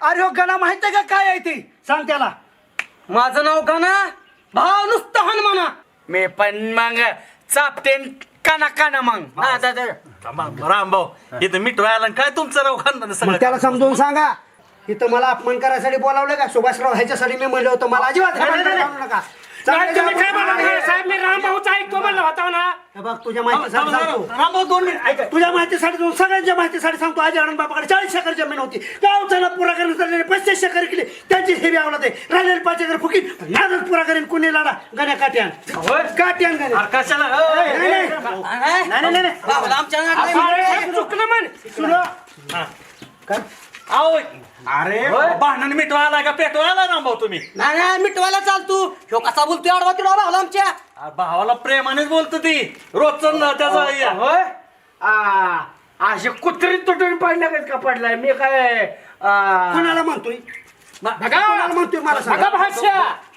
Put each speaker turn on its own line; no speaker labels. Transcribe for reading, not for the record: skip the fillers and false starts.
अरे हो गणा माहिती का काय आहे ती सांग त्याला.
माझं नाव गणा भाव नुसतं हन म्हणा.
मी पण मग चापते काना काना मग
रामभाऊ इथं मिटवायला काय तुमचं राव खानदान
मग
सगळं
त्याला समजून सांगा इथं मला अपमान करायसाठी बोलावलं का सुभाषराव ह्याच्यासाठी मी म्हणलं होतं मला अजिबात अपमान करू नका.
तुम्ही काय म्हणा साहेब मी रामभाऊचा ऐकतो म्हणलं होता ना.
हे बघ तुझ्या माहितीसाठी सांगतो
रामभाऊ 2 मिनिट ऐका.
तुझ्या माहितीसाठी सगळ्यांच्या माहितीसाठी सांगतो आजी आनंद बापाकडे 40 एकर जमीन होती. गावचा पुरा करण्यात चाललेले 35 एकर केली त्यांची हेवी आवडत आहे. राहिलेले 5 एकर फुकीट नादच पुरा करेन कुणी लाडा गण्या काट्यान काट्यान गण्या
अरे कशाला
नाही
भावाला आमच्या चुकलं म्हण.
आओ अरे भांडण मिटवायला का पेटवायला रामभाऊ तुम्ही
नाही नाही मिटवायला चाल तू. ह्यो कसा बोलतोय आडवा तिडवा भावाला आमच्या.
भावाला प्रेमानेच बोलतो ती रोजच त्याचा
होय असे कुत्री तुटून पडल्या का पडलाय मी काय
कोणाला म्हणतोय
बघा
कोणाला म्हणतोय मला
बघा
सांगा.
भाषा